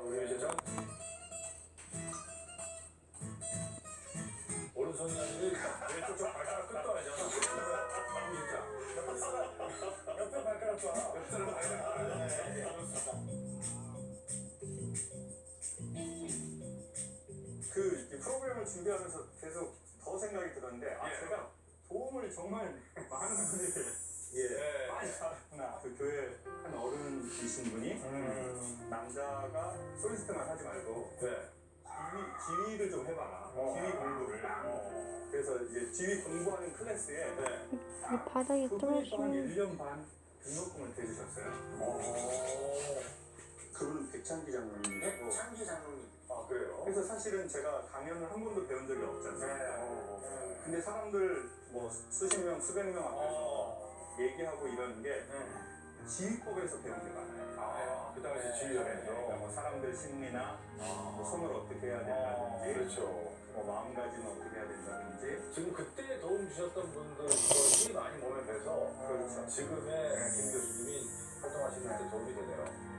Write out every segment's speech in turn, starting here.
우리 유재정. 오른손이 아니라 왼쪽 발가락 끝도 아니잖아. 진짜. 옆에 발가락 봐. 옆에 발가락. 그 프로그램을 준비하면서 계속 더 생각이 들었는데 제가 도움을 정말 많은 분들이 많이 받았구나. 그 교회 한 어른이신 분이 남자가 솔리스트만 하지 말고 지휘를 좀 해봐라. 지휘 공부를. 그래서 이제 지휘 공부하는 클래스에 바닥에 그분이 또 한 떨어지면 1년 반 등록금을 대주셨어요. 그분은 백창기 장로님이고. 창기 장로님. 아 그래요? 그래서 사실은 제가 강연을 한 번도 배운 적이 없지 않습니까? 근데 사람들 뭐 수십 명, 수백 명 앞에서 얘기하고 이러는 게 지휘법에서 배운 게 많아요. 그 당시 지휘자면서. 그러니까 뭐 사람들 심리나 뭐 손을 어떻게 해야 된다든지, 그렇죠. 뭐 마음가짐을 어떻게 해야 된다든지. 지금 그때 도움 주셨던 분들 것이 많이 몸에 배서 그렇죠. 지금의 김 교수님이 활동하시는 데 도움이 되네요.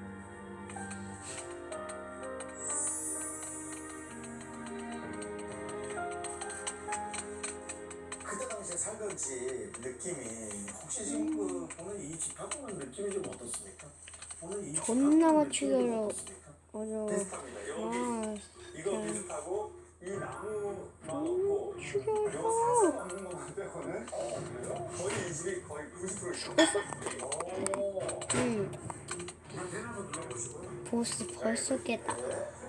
그때 당시에 살던 집 느낌이 혹시 지금 그 보는 이 집하고는 느낌이 좀 어떻습니까? 보는 이 존나 집하고는 맞추기로 느낌이 좀 어떻습니까? 어려워. 비슷합니다. 여기 이거 비슷하고 이 나무만 없고 죽여. 요 사슴 없는 것만 빼고는 거의 이 집이 거의 90% 있어요. 응. 대낮에 눌러보시고요. 보스 벌써 깼다. 네.